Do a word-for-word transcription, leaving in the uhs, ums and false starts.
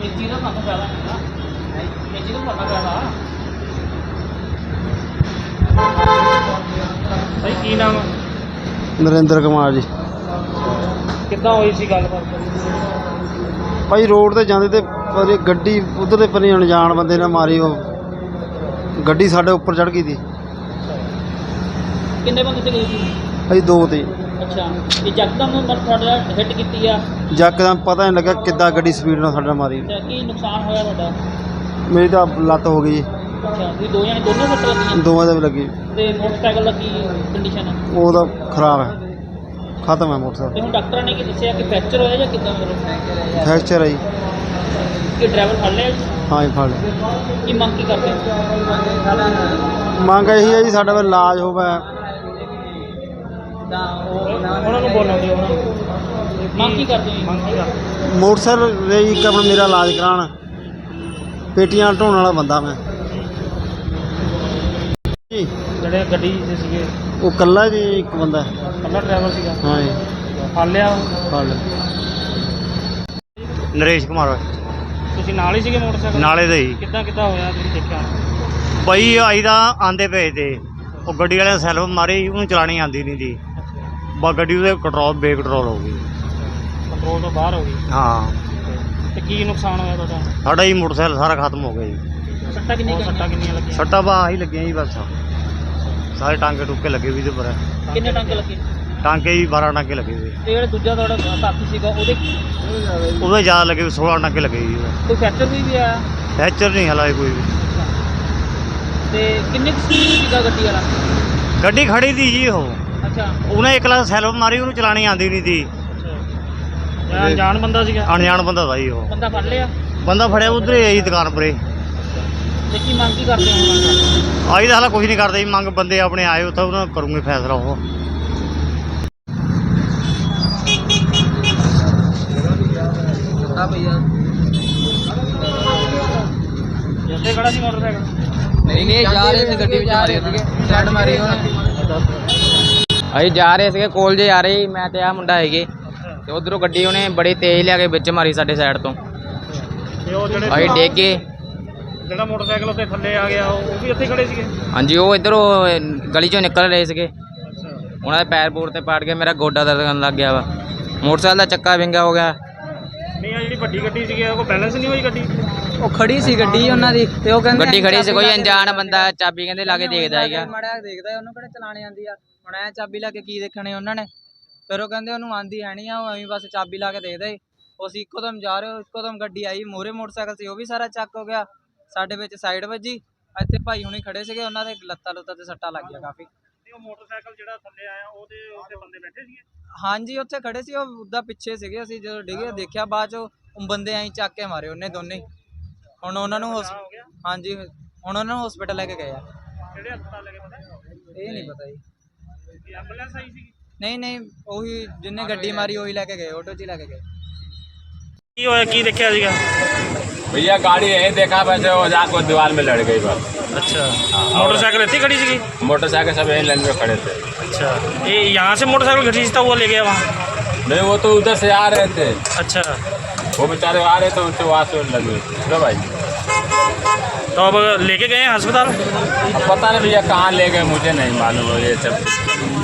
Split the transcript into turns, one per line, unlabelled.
भाई की नाम
नरेंद्र कुमार जी।
कितना हुई सी गलबात
भाई रोड ते जांदे ते पर गड्डी उधर दे परे अनजान बंदे ने मारी, वो गड्डी साडे उपर चढ़ गई थी।
किन्ने बंदे से गई थी?
भाई दो थे।
अच्छा, ये जकदम थोड़ा हिट कीती आ?
यकदम पता नहीं लगा किद्दां गड्डी स्पीड नाल साडे मारी।
की नुकसान होया तुहाडा?
मेरी तो लत्त हो गई।
अच्छा, भी दो जने दोनों सट्ट लगी?
दोवां दे भी लगी।
ते मोटरसाइकिल दा की कंडीशन है?
वो तो खराब है, खत्म है मोटरसाइकिल।
ते हुण डॉक्टर ने की दस्सिया कि फ्रैक्चर होया या किदां? मतलब
फ्रैक्चर है जी।
कि ड्राइवर फड़ लिया?
हाँ जी फड़ लिया।
की मंग की करते?
मंग यही है जी साडा भी इलाज होवे।
ਉਹਨਾਂ ਨੂੰ ਬੋਲਣ ਦਿਓ, ਉਹਨਾਂ ਨੂੰ ਮੰਗ ਕੀ ਕਰਦੇ ਹੋ? ਮੰਗ ਕੀ ਕਰਦੇ?
मोटरसाइकिल दे जी एक अपना मेरा इलाज कराण, पेटियां ढोण वाला बंदा मैं जी।
ਜਿਹੜੇ ਗੱਡੀ 'ਚ ਸੀਗੇ
वो कल्ला जी एक बंदा।
ਕੱਲਾ ਡਰਾਈਵਰ ਸੀਗਾ?
हाँ जी
ਫੜ ਲਿਆ?
फड़ लिया। नरेश कुमार
ਤੁਸੀਂ ਨਾਲ ਹੀ ਸੀਗੇ ਮੋਟਰਸਾਈਕਲ?
नाले दे जी।
ਕਿੱਦਾਂ ਕਿੱਦਾਂ ਹੋਇਆ ਤੁਸੀਂ ਦੇਖਿਆ?
बई आई दा आंदे पे थे, वो गड्डी वाले सैल्फ मारी, उन्हें चलानी आती नहीं थी। बस गड्डी ਉਹਦੇ कंट्रोल बेकंट्रोल हो गई।
ਕੰਟਰੋਲ ਤੋਂ ਬਾਹਰ ਹੋ ਗਈ?
हाँ
ਤੇ ਕੀ ਨੁਕਸਾਨ ਹੋਇਆ ਤੁਹਾਡਾ?
साढ़ा ही मोटरसाइकिल सारा खत्म हो गया जी।
ਸੱਟਾਂ ਕਿੰਨੀਆਂ ਸੱਟਾਂ ਕਿੰਨੀਆਂ ਲੱਗੀਆਂ?
सट्टा बाह ही लगे जी, बस सारे टांके टूके लगे भी पर
ਕਿੰਨੇ ਟਾਂਕੇ ਲੱਗੇ?
टांके ही बारह टांके लगे हुए।
ਤੇ ਜਿਹੜਾ ਦੂਜਾ ਤੁਹਾਡਾ ਸਾਥੀ ਸੀਗਾ ਉਹਦੇ
ਉਹਦੇ ज़्यादा लगे, सोलह टांके लगे जी।
ਕੋਈ ਫ੍ਰੈਕਚਰ ਵੀ ਵੀ ਆਇਆ?
फ्रैक्चर नहीं हला कोई भी।
ਤੇ ਕਿੰਨੇ ਕੁ ਸਪੀਡ ਸੀਗਾ ਗੱਡੀ ਵਾਲਾ?
गड्डी खड़ी थी जी वो,
ਅੱਛਾ
ਉਹਨੇ ਇੱਕ ਲੱਖ ਸੈਲਫ ਮਾਰੀ, ਉਹਨੂੰ ਚਲਾਣੀ ਆਉਂਦੀ ਨਹੀਂ ਸੀ।
ਅੱਛਾ, ਅਣਜਾਣ ਬੰਦਾ ਸੀਗਾ?
ਅਣਜਾਣ ਬੰਦਾ था जी। ਉਹ
ਬੰਦਾ ਫੜ ਲਿਆ?
ਬੰਦਾ ਫੜਿਆ ਉਧਰ ਹੀ ਆਈ ਦੁਕਾਨ ਪਰੇ।
ਤੇ ਕੀ ਮੰਗ ਕੀ ਕਰਦੇ ਹੋ ਹੁਣ?
ਆਈ ਤਾਂ ਹਾਲਾ ਕੁਝ ਨਹੀਂ ਕਰਦੇ ਜੀ, ਮੰਗ ਬੰਦੇ ਆਪਣੇ ਆਏ ਉੱਥੇ ਉਹਨਾਂ ਕਰੂੰਗੇ ਫੈਸਲਾ। ਉਹ
ਹਾਂ ਭਈਆ ਜਿੱਥੇ ਖੜਾ ਸੀ ਮੋਟਰਸਾਈਕਲ?
ਨਹੀਂ ਨਹੀਂ ਜਾ ਰਹੇ ਸੀ, ਗੱਡੀ ਵਿੱਚ ਮਾਰੀ ਸੀਗੇ, ਸਾਈਡ ਮਾਰੀ ਉਹਨੇ। ਅਸੀਂ ਜਾ ਰਹੇ ਸੀਗੇ ਕੋਲ ਜੇ ਆ ਰਹੇ ਸੀ, ਮੈਂ ਤੇ ਆ ਮੁੰਡਾ ਹੈਗੇ, ਤੇ ਉਧਰੋਂ ਗੱਡੀ ਉਹਨੇ ਬੜੀ ਤੇਜ਼ ਲਿਆ ਕੇ ਵਿੱਚ ਮਾਰੀ ਸਾਡੇ ਸਾਈਡ ਤੋਂ।
ਤੇ ਉਹ ਜਿਹੜੇ
ਅਸੀਂ ਡਿੱਗ ਗਏ।
ਜਿਹੜਾ ਮੋਟਰਸਾਈਕਲ ਉੱਤੇ ਥੱਲੇ ਆ ਗਿਆ ਉਹ ਵੀ ਇੱਥੇ ਖੜੇ ਸੀਗੇ?
ਹਾਂਜੀ, ਉਹ ਇੱਧਰੋਂ ਗਲੀ ਚੋਂ ਨਿਕਲ ਰਹੇ ਸੀਗੇ, ਉਹਨਾਂ ਦੇ ਪੈਰ ਪੂਰ ਤੇ ਪਾੜ ਗਿਆ, ਮੇਰਾ ਗੋਡਾ ਦਰਦ ਕਰਨ ਲੱਗ ਗਿਆ ਵਾ, ਮੋਟਰਸਾਈਕਲ ਦਾ ਚੱਕਾ ਵਿੰਗਾ ਹੋ ਗਿਆ।
ਨਹੀਂ ਆ ਜਿਹੜੀ ਵੱਡੀ ਗੱਡੀ ਸੀਗੀ ਉਹ ਬੈਲੈਂਸ ਨਹੀਂ ਹੋਈ ਗੱਡੀ?
ਉਹ ਖੜੀ ਸੀ ਗੱਡੀ ਉਹਨਾਂ ਦੀ, ਤੇ ਉਹ ਕਹਿੰਦੇ ਗੱਡੀ ਖੜੀ ਸੀ, ਕੋਈ ਅਣਜਾਣ ਬੰਦਾ ਚਾਬੀ ਕਹਿੰਦੇ ਲਾ ਕੇ ਦੇਖਦਾ ਹੈਗਾ, ਮਾੜਾ ਦੇਖਦਾ, ਉਹਨੂੰ ਕਿਹੜਾ ਚਲਾਣੇ ਆਉਂਦੀ ਆ, ਹੁਣ ਐ ਚਾਬੀ ਲਾ ਕੇ ਕੀ ਦੇਖਣੇ ਉਹਨਾਂ ਨੇ। ਫਿਰ ਉਹ ਕਹਿੰਦੇ ਉਹਨੂੰ ਆਂਦੀ ਹੈ ਨਹੀਂ ਆ, ਉਹ ਐਵੇਂ ਬਸ ਚਾਬੀ ਲਾ ਕੇ ਦੇਖਦਾ ਸੀ। ਉਹ ਅਸੀਂ ਇੱਕੋ ਦਮ ਜਾ ਰਹੇ ਹੋ, ਇੱਕੋ ਦਮ ਗੱਡੀ ਆਈ, ਮੂਹਰੇ ਮੋਟਰਸਾਈਕਲ ਸੀ ਉਹ ਵੀ ਸਾਰਾ ਚੱਕ ਹੋ ਗਿਆ, ਸਾਡੇ ਵਿੱਚ ਸਾਈਡ ਵੱਜੀ। ਇੱਥੇ ਭਾਈ ਹੁਣੀ ਖੜੇ ਸੀਗੇ, ਉਹਨਾਂ ਦੇ ਲੱਤਾਂ ਲੁੱਤਾਂ ਤੇ ਸੱਟਾਂ ਲੱਗ ਗਿਆ ਕਾਫੀ।
ਉਹ ਮੋਟਰਸਾਈਕਲ ਜਿਹੜਾ ਥੱਲੇ ਆਇਆ ਉਹਦੇ ਉੱਤੇ ਬੰਦੇ ਬੈਠੇ ਸੀਗੇ? ਹਾਂਜੀ,
ਉੱਥੇ ਖੜੇ ਸੀ, ਉਹ ਉੱਦਾਂ ਪਿੱਛੇ ਸੀਗੇ। ਅਸੀਂ ਜਦੋਂ ਡਿੱਗੇ ਦੇਖਿਆ ਬਾਅਦ ਚੋਂ ਬੰਦੇ ਐਂ ਚੱਕ ਕੇ ਮਾਰੇ ਉਹਨੇ ਦੋਨੇ। ਹੁਣ ਉਹਨਾਂ ਨੂੰ ਹਾਂਜੀ ਹੁਣ ਉਹਨਾਂ ਨੂੰ ਹਸਪੀਟਲ ਲੈ ਕੇ ਗਏ ਆ।
ਕਿਹੜੇ ਹਸਪਤਾਲ ਲੈ ਕੇ ਪਤਾ?
ਇਹ ਨਹੀਂ ਪਤਾ ਜੀ।
ਐਂਬੂਲੈਂਸ ਆਈ ਸੀ?
ਨਹੀਂ ਨਹੀਂ, ਉਹੀ ਜਿਹਨੇ ਗੱਡੀ ਮਾਰੀ ਉਹੀ ਲੈ ਕੇ ਗਏ, ਆਟੋ 'ਚ ਹੀ ਲੈ ਕੇ ਗਏ।
ਕੀ ਹੋਇਆ, ਕੀ ਦੇਖਿਆ ਸੀਗਾ?
भैया गाड़ी यही देखा, वैसे वो जाकर दीवार में लड़ गई बस।
अच्छा, मोटरसाइकिल इतनी खड़ी थी?
मोटरसाइकिल सब यही लाइन में खड़े थे।
अच्छा, ये यहाँ से मोटरसाइकिल घसीटता हुआ ले गया वहाँ?
नहीं, वो तो उधर से आ रहे थे।
अच्छा,
वो बेचारे आ रहे थे, उनसे वहाँ से लगे थे भाई।
तो अब लेके गए हैं अस्पताल?
अब पता नहीं भैया कहाँ ले गए, मुझे नहीं मालूम है ये सब।